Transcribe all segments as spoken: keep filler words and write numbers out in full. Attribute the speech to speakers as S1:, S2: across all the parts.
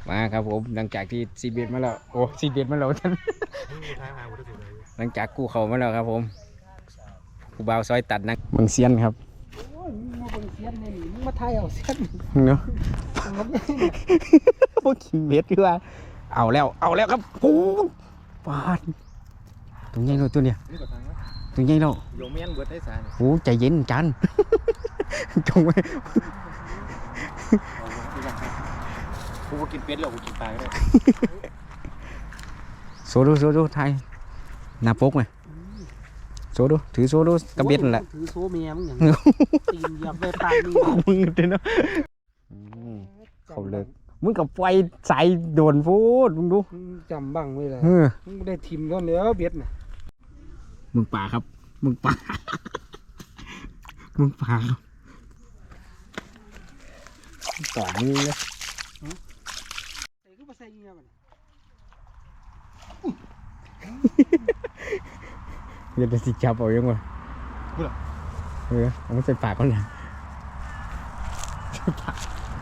S1: มาครับผมหลังจากที่ซีเบียดมาแล้วโอ้ซีเบียดมาแล้วท่านหลังจากกู้เขามาแล้วครับผมกูบ่าวซอยตัดนะมึงเซียนครับ
S2: โอ้ยมึงมาเบิ่งเสียนในนี่มึงมาไทยเอาเสียน
S1: เนาะพวกกินเบ็ดคือว่าเอาแล้วเอาแล้วครับปูปาดตรงใหญ่เลยตัวเนี้ยตรงใหญ่แล้ว
S3: โยมแม่นเบิดได้สาร
S1: โอ้ใจเย็นจันจงไว้
S3: กูกินเป็ดหรอกกูกินปลาก็ได้
S1: โซดูโซดูไทยหน้าปกไหมโซดูถือโซดูกระเบ็ดนั่นแหละ
S2: ถือโซเมียมึงอย่างตีนเหยียบไปปากนี่
S1: มึงเนาะเขาเลิกมึงกับไฟใส่โดนพูดมึงดู
S2: จำบังไว้เลยมึงได้ทิมก็เนื้อเบ็ดน่ะ
S1: มึงป่าครับมึงป่ามึงป่าครับต่อมือเลย
S2: ใส่ก็มาใส่เงี้ยมัน
S1: เดี๋ยวจะสิจับเอายังไงเออเอามาใส่ปากก่อนนะใส่ปาก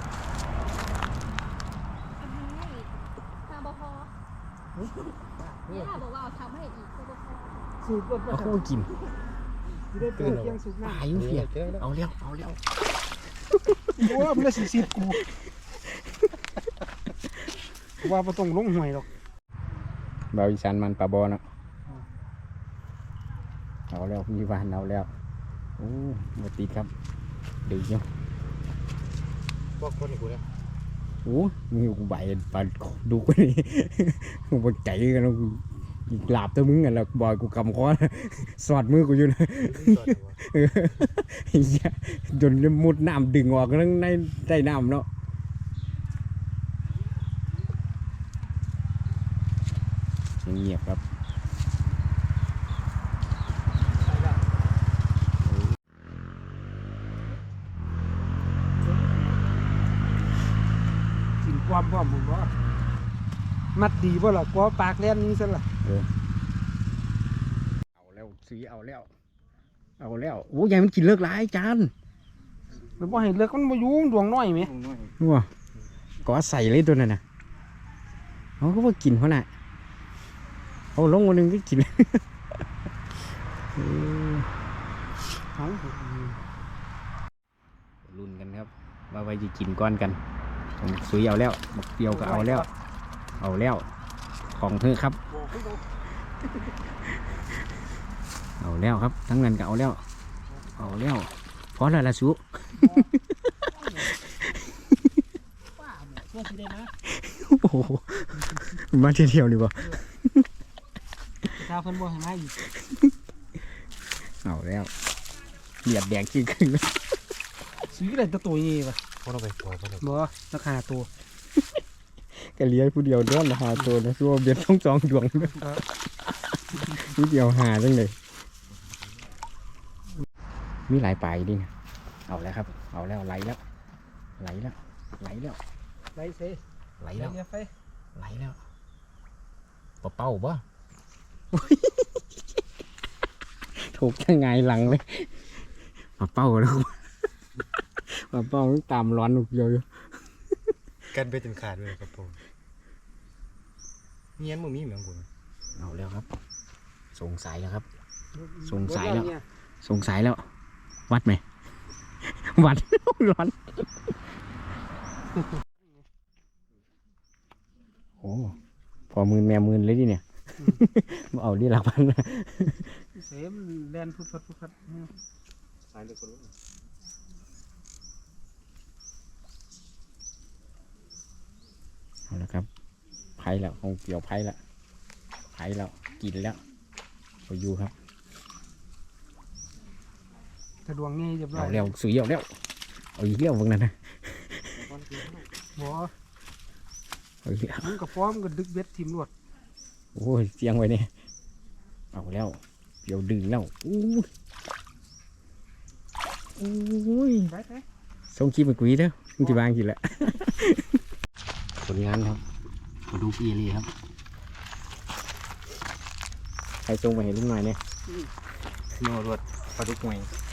S4: ทำบพอเนี่ยบอกว่าทำให้อีกทำบพอ
S2: สูบรถ
S1: เอาคู่กิน
S2: ได้เปิดเกียงสูบหน้า
S1: อายุเพียเอาเลี้ยวเอาเลี้ยว
S2: โอ้ยมันได้สีสีกูว่าประตงลงห่วยหรอก
S1: บ่าวอีสานมันปลาบอเนาะเอาแล้วมีวานเอาแล้วโอ้มาติดครับดึงเนาะ
S3: พวกคนกูเนี่ย
S1: โอ้มีกูใบปลาดูไปนี่กูปใจกันแล้วหลาบตัวมึงอ่ะแล้วบอยกูกำคอสอดมือกูอยู่นะจนมุดน้ำดึงออกทั้งในใต้น้ำเนาะเงียบครับ
S2: กินความพร้อมมึงว่ามัดดีบ่ล่ะกลัวปากแล่นนี้ซะล่ะ
S1: เอาแล้วสีเอาแล้วเอาแล้วโอ้ยายมันกินเลิกหลายจาน
S2: มันบ่ให้เลิกมันบ่อยู่ดวงน้อยไหม
S1: ว้าก็ใส่เลยตัวนั้นน่ะเขาก็ว่ากินเขาน่ะเอาลงวันหนึ่งก็กินลุ้นกันครับว่าไปจะกินก้อนกันผมซื้อเอาแล้วบักเดียวก็เอาแล้วเอาแล้วของเธอครับเอาแล้วครับทั้งนั้นก็เอาแล้วเอาแล้วพอแล้วละสุโอ้โหมาเที่ยวดีป่ะ
S2: ข้าวเพิ่นบ่ให้มาอีก
S1: เอาแล้วเหยียดแดงขี้ขึ้น
S2: ซื้ออะไรตัวตัวนี้ป่ะ
S3: พวกเราไปปล่อยพวกเรา
S2: บ่ราคาตัว
S1: ก็เลี้ยงผู้เดียวด้วนราคาตัวนะตัวเบ็ดต้องสองดวงผู้เดียวหาจังเลยมีหลายปลายดิเอาแล้วครับเอาแล้วไหลแล้วไหลแล้วไหลแล้ว
S2: ไหลเซ่
S1: ไหลแล้วไหลแล้วปะเป้าบ่ถูกยังไงหลังเลยปะเป้าแล้วปะเป้าตามร้อนลูกเดียวอยู่
S3: กันไปจนขาดเลยครับผมเงี้ยมึงมีเหมือนกู
S1: เอาแล้วครับสงสัยแล้วครับสงสัยแล้วสงสัยแล้ววัดไหมวัดร้อนโอ้พอมือแม่มือเลยดิเนี่ยมาเอาดิหลักพัน
S2: เสมแดนพุทธพุทธ
S3: สายเลยคนรู้
S1: เอาละครับไผ่แล้วคงเกี่ยวไผ่แล้วไผ่แล้วกินแล้วไปอยู่ครับ
S2: ถ้าดวงงี้เรียบร้อย
S1: เอาเร็วสุยเอาเร็วเอาอีกเร็วพวกนั้นนะ
S2: บ่มึงกับฟ้อมกับดึกเบ็ดทีมรวด
S1: โอ้ยเสียงไว้เนี่ยเอาแล้วเดี๋ยวดึงแล้วอู้อู้ยส่งคลิปมากุยเด้อมึงจะบางกี่ละผลงานครับมาดูปีเลยครับใครส่งมาเห็นลูกหน่อยเนี่ย
S3: โนรวดปลาดุกหวย